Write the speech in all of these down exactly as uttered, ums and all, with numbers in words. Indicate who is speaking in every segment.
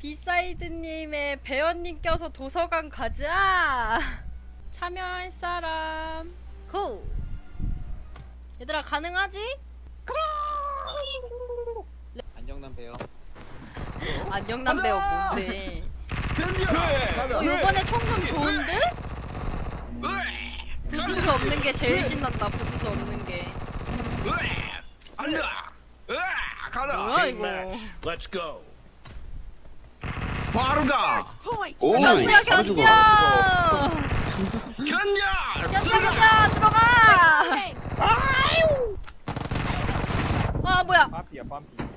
Speaker 1: 비사이드님의 배연님 껴서 도서관 가자. 참여할 사람 고! 얘들아 가능하지?
Speaker 2: 안정남 배요.
Speaker 1: 안녕남 배우 뭔데?
Speaker 3: 견뎌!
Speaker 1: 어 요번에 총 좀 좋은데? 부수수 없는 게 제일 신난다. 부수수 없는 게.
Speaker 3: 안돼! 가라!
Speaker 1: 뭐야 이거?
Speaker 4: Let's go.
Speaker 3: 바로 가!
Speaker 2: 오,
Speaker 1: 견뎌
Speaker 2: 바로 죽어.
Speaker 1: 견뎌!
Speaker 3: 견뎌!
Speaker 1: 견뎌 견뎌 들어가! 아 뭐야?
Speaker 5: 빰피야 빰피.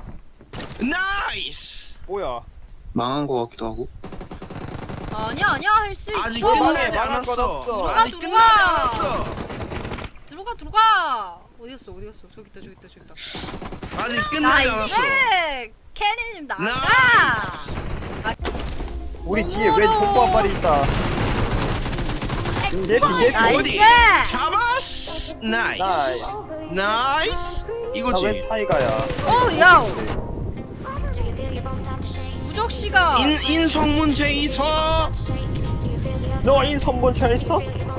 Speaker 3: 나이스!
Speaker 5: 뭐야?
Speaker 2: 망한 거 같기도 하고.
Speaker 1: 아니야 아니야 할 수 있어.
Speaker 3: 아직
Speaker 5: 끝나지
Speaker 3: 끝나지
Speaker 5: 망할 건
Speaker 3: 않았어.
Speaker 5: 없어.
Speaker 3: 아직
Speaker 1: 들어와,
Speaker 3: 끝나지
Speaker 1: 들어와.
Speaker 3: 않았어.
Speaker 1: 들어가 들어가. 어디 갔어 어디 갔어? 저기 있다 저기 있다 저기 있다.
Speaker 3: 아직 끝나지 않았어.
Speaker 1: 나이스! 캐니님 나가!
Speaker 5: 우리 뒤에 왜 족보 한 마리 있다. 예피 예피.
Speaker 1: 나이스!
Speaker 3: 잡았어! 나이스!
Speaker 5: 나이.
Speaker 3: 나이스! 이거지.
Speaker 5: 나왜 사이가야?
Speaker 1: 오 야오! 무적씨가
Speaker 3: 인, 인성문제 있어.
Speaker 5: 너 인선본차 있어?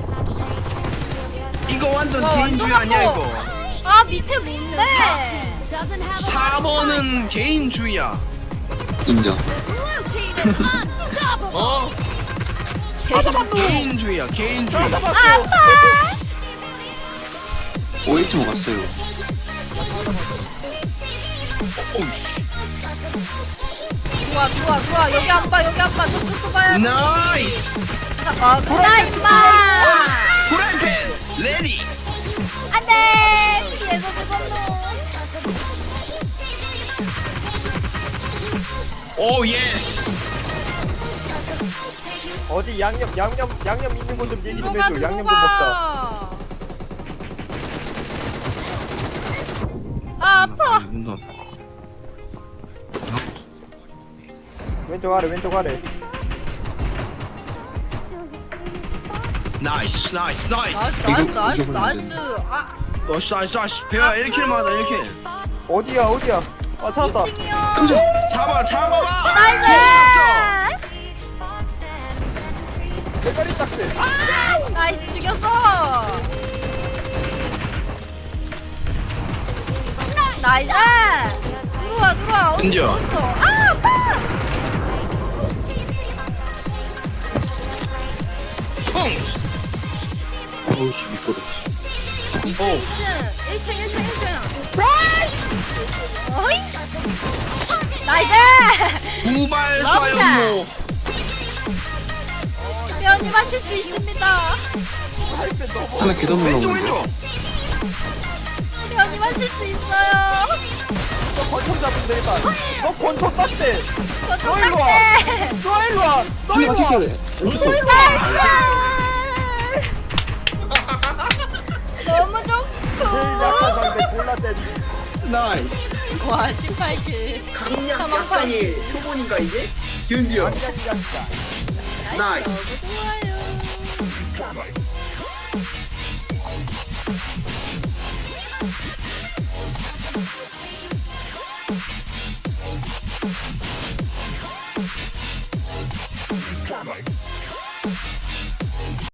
Speaker 3: 이거 완전
Speaker 1: 와,
Speaker 3: 개인주의
Speaker 1: 완전
Speaker 3: 아니야
Speaker 1: 아파.
Speaker 3: 이거.
Speaker 1: 아 밑에 뭔데?
Speaker 3: 사 번은 개인주의야.
Speaker 2: 인정.
Speaker 3: 어? 개인주의야 개인주의.
Speaker 1: 아파!
Speaker 2: 오에이치 먹었어요.
Speaker 3: 오우씨.
Speaker 1: 들어와 들어와 들어와 여기 안 봐 여기 안 봐 저쪽도 봐야지.
Speaker 3: 나이스.
Speaker 1: 아 구나 임마!
Speaker 3: 프라이팬 레디.
Speaker 1: 안돼! 뒤에서 죽었노.
Speaker 3: 오 예스.
Speaker 5: 어디 양념 양념 양념 있는 곳 좀 얘기 좀
Speaker 1: 들어가
Speaker 5: 해줘. 양념 좀 먹자.
Speaker 1: 들어가. 아 아파.
Speaker 5: 왼쪽 아래 왼쪽 아래.
Speaker 3: 나이스 나이스 나이스.
Speaker 1: 나이스 나이스
Speaker 2: 이거-
Speaker 1: 나이스
Speaker 2: 이거
Speaker 1: 나이스. 아
Speaker 3: 나이스 나이스 나이스. 배야 일 킬 맞아 일 킬.
Speaker 5: 어디야 어디야? 아 찾았다.
Speaker 1: 이 층이요.
Speaker 3: 잡아 잡아봐.
Speaker 1: 나이스!
Speaker 5: 대가리 딱지.
Speaker 1: 나이스 죽였어. 나이스! 들어와 들어와 어디
Speaker 3: 은지야.
Speaker 1: 있어? 아 아파!
Speaker 3: 펑.
Speaker 2: 오우씨 미끄러.
Speaker 1: 이 층 이 층 일 층 일 층 일 층 어이? 나이스!
Speaker 3: 두발
Speaker 1: 멈춰.
Speaker 3: 쏴요.
Speaker 1: 배우님 하실 수 있습니다.
Speaker 2: 하나 계단
Speaker 3: 왼쪽
Speaker 2: 올라오는데.
Speaker 3: 왼쪽.
Speaker 1: 배우님 하실 수 있어요.
Speaker 5: 너 권총 잡으면 되겠다. 너 권총 땄대.
Speaker 1: 저쪽
Speaker 5: 너 일로 와.
Speaker 1: 딱대!
Speaker 5: 너 일로 와. 너
Speaker 2: 한대
Speaker 5: 일로
Speaker 2: 맞췄어야
Speaker 5: 와.
Speaker 2: 돼. 왼쪽 거.
Speaker 1: 나이스! 너무
Speaker 5: 제일 약한
Speaker 1: 좋고.
Speaker 5: 상대 골라 때리.
Speaker 3: 나이스.
Speaker 1: 와 십팔 킬.
Speaker 3: 강약
Speaker 1: 약간이
Speaker 3: 초보니까 이제 견뎌.
Speaker 5: 완전 약간.
Speaker 3: 나이스.
Speaker 1: 너무 좋아요.